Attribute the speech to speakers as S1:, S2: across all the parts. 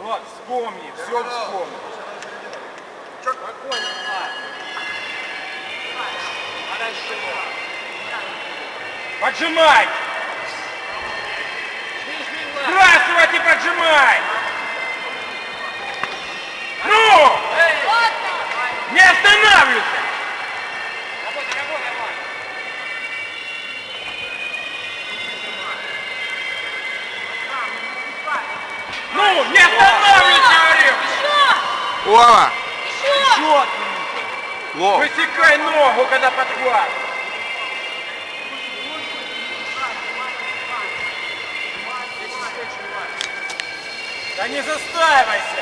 S1: Влад, вспомни, все вспомни.
S2: Спокойно, Влад. Хорошо.
S1: Поджимай! Сбрасывать и поджимай! Ну! Не останавливайся!
S2: Работай, работай, Влад.
S1: Ну, не останавливайся, говорю!
S3: Лова!
S1: Еще!
S3: Лов!
S1: Высекай ногу, когда подхват! Да не застаивайся!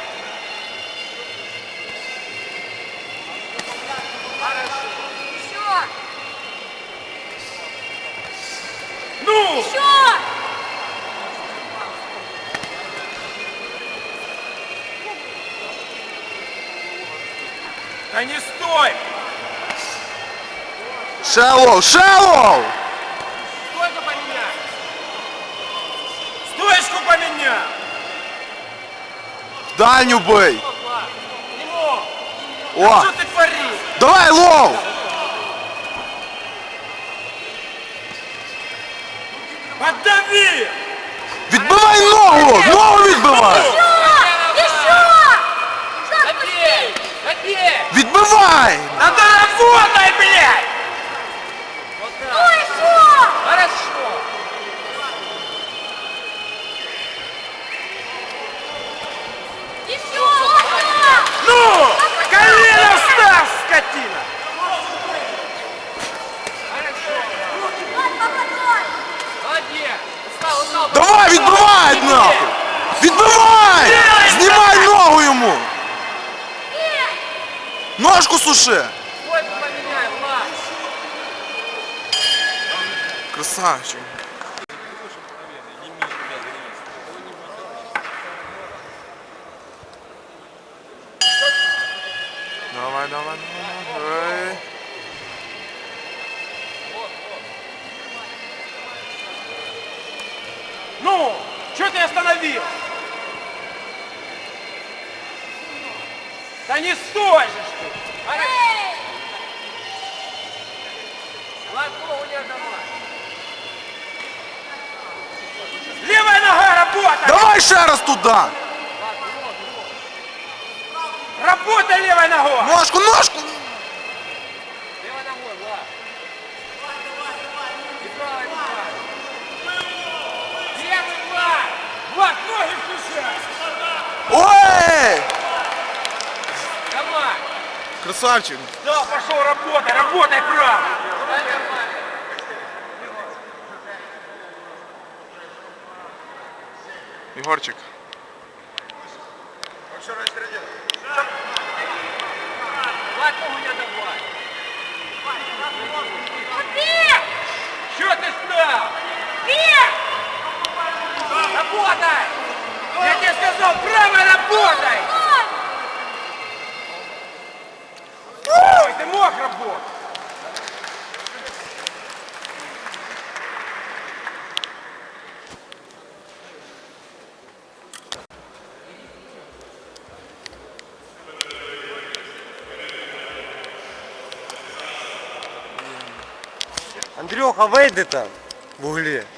S4: Еще!
S1: Ну!
S4: Еще!
S1: Да не стой!
S3: Шалоу! Шалоу!
S2: Сколько поменять?
S1: Стоечку поменяй!
S3: В дальню бей!
S2: Влад. Не мог.
S3: О!
S1: Что ты творишь?
S3: Давай, лов!
S1: Поддави!
S3: Відбивай ногу! Ногу відбивай!
S4: Еще!
S2: Забей! Забей!
S3: Відбивай!
S1: Да доработай, блядь!
S2: Вот
S4: Ну
S2: так.
S4: еще!
S2: Хорошо.
S4: Еще! Вот
S1: Ну! Колено встав, скотина!
S2: Хорошо.
S4: так! Попадай!
S2: Молодец. Устал, устал.
S3: Давай, відбивай нахуй! Відбивай! Знімай ногу йому! Ножку суши!
S2: Сколько поменяй, Влад.
S3: Красавчик! Давай, давай, давай.
S1: Ну! Что ты остановил? Да не стой же ж ты!
S4: Эй!
S2: Влад, ногу не отдавай.
S1: Левая нога работает!
S3: Давай ще раз туди!
S2: Влад, ногу.
S1: Работай левой ногой!
S3: Ножку, ножку!
S2: Левой ногой, Влад. И правой, и правой.
S1: Левый, Влад! Влад, ноги включай!
S3: Ой!
S2: Давай.
S3: Красавчик!
S1: Да, пошел работай, работай право!
S2: Давай нормально.
S3: Егорчик.
S2: Влад, ногу не отдавай.
S4: Бей!
S1: Что ты стал?
S4: Бей!
S1: Работай! Я тебе сказал, право работай! Ой, ты мог работать!
S5: Андрюха, вийди там в углі.